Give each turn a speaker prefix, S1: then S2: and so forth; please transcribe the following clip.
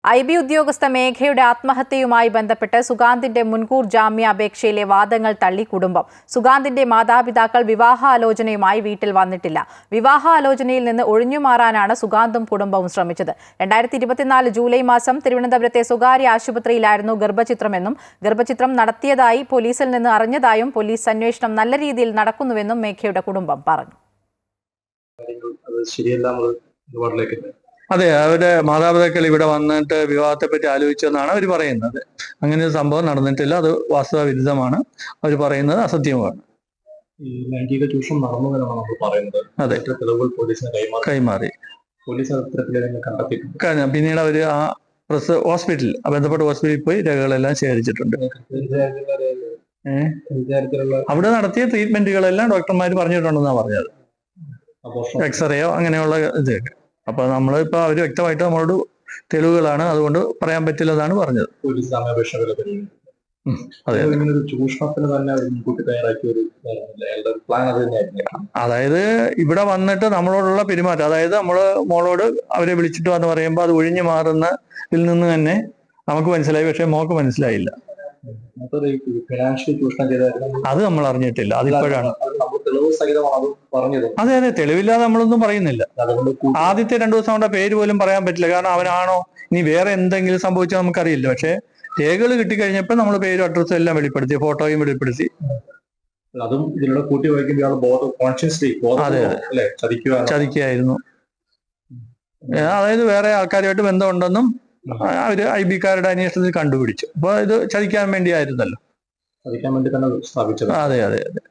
S1: IB ഉദ്യോഗസ്ഥ മേഘയുടെ ആത്മഹത്യയുമായി ബന്ധപ്പെട്ട് സുഗാന്തിന്റെ മുൻകൂർ ജാമ്യാപേക്ഷയിലെ വാദങ്ങൾ തള്ളി കുടുംബം. സുഗാന്തിന്റെ മാതാപിതാക്കൾ വിവാഹാലോചനയുമായി വീട്ടിൽ വന്നിട്ടില്ല. വിവാഹാലോചനയിൽ നിന്ന് ഒഴിഞ്ഞുമാറാനാണ് സുഗാന്തും കുടുംബവും ശ്രമിച്ചത്. 2024 ജൂലൈ മാസം തിരുവനന്തപുരത്തെ സ്വകാര്യ ആശുപത്രിയിലായിരുന്നു ഗർഭചിത്രമെന്നും ഗർഭചിത്രം നടത്തിയതായി പോലീസിൽ നിന്ന് അറിഞ്ഞതായും പോലീസ് അന്വേഷണം നല്ല രീതിയിൽ നടക്കുന്നുവെന്നും മേഘയുടെ കുടുംബം പറഞ്ഞു.
S2: അതെ, അവരുടെ മാതാപിതാക്കൾ ഇവിടെ വന്നിട്ട് വിവാഹത്തെ പറ്റി ആലോചിച്ചെന്നാണ് അവർ പറയുന്നത്. അങ്ങനെ ഒരു സംഭവം നടന്നിട്ടില്ല. അത് വാസ്തവ വിരുദ്ധമാണ്. അവർ പറയുന്നത് അസത്യമാണ്.
S3: ഈ ലൈംഗിക ചൂഷണം നടന്നുവെന്നാണ് നമ്മൾ പറയുന്നത്.
S2: അതെ,
S3: തെളിവുകൾ പോലീസിന് കൈമാറി. പോലീസ്
S2: കണ്ടെത്തിയിട്ടുണ്ട്. പിന്നീട് അവർ ആ ഹോസ്പിറ്റലിൽ ബന്ധപ്പെട്ട ഹോസ്പിറ്റലിൽ പോയി രേഖകളെല്ലാം ശേഖരിച്ചിട്ടുണ്ട്. അവിടെ നടത്തിയ ട്രീറ്റ്മെന്റുകളെല്ലാം ഡോക്ടർമാർ പറഞ്ഞിട്ടുണ്ടെന്നാണ് പറഞ്ഞത്. എക്സ്റേയോ അങ്ങനെയുള്ള ഇതൊക്കെ. അപ്പൊ നമ്മളിപ്പോ അവര് വ്യക്തമായിട്ട് നമ്മളോട് തെളിവുകളാണ്, അതുകൊണ്ട് പറയാൻ പറ്റില്ലെന്നാണ് പറഞ്ഞത്. അതായത് ഇവിടെ വന്നിട്ട് നമ്മളോടുള്ള പെരുമാറ്റം, അതായത് നമ്മള് മോളോട് അവരെ വിളിച്ചിട്ട് വന്ന് പറയുമ്പോൾ അത് ഒഴിഞ്ഞു മാറുന്നതിൽ നിന്ന് തന്നെ നമുക്ക് മനസ്സിലായി. പക്ഷെ മോക്ക് മനസ്സിലായില്ല. അത് നമ്മൾ അറിഞ്ഞിട്ടില്ല. അതിപ്പോഴാണ്. അതെ അതെ, തെളിവില്ലാതെ നമ്മളൊന്നും പറയുന്നില്ല. ആദ്യത്തെ 2 ദിവസം കൊണ്ട് പേര് പോലും പറയാൻ പറ്റില്ല. കാരണം അവനാണോ ഇനി വേറെ എന്തെങ്കിലും സംഭവിച്ചാൽ നമുക്കറിയില്ല. പക്ഷെ രേഖകൾ കിട്ടിക്കഴിഞ്ഞപ്പോൾ നമ്മൾ പേരും അഡ്രസ്സും എല്ലാം വെളിപ്പെടുത്തി, ഫോട്ടോയും വെളിപ്പെടുത്തി.
S3: അതും ഇതിലൂടെ കൂട്ടി വായിക്കുമ്പോൾ
S2: അതെ അതെ, ചതിക്കുകയായിരുന്നു. അതായത് വേറെ ആൾക്കാരുമായിട്ട് ബന്ധമുണ്ടെന്നും അവര് IB-ക്കാരുടെ അന്വേഷണത്തിൽ കണ്ടുപിടിച്ചു. അപ്പൊ ഇത് ചതിക്കാൻ വേണ്ടിയായിരുന്നല്ലോ.
S3: തന്നെ സ്ഥാപിച്ചത്.
S2: അതെ അതെ അതെ.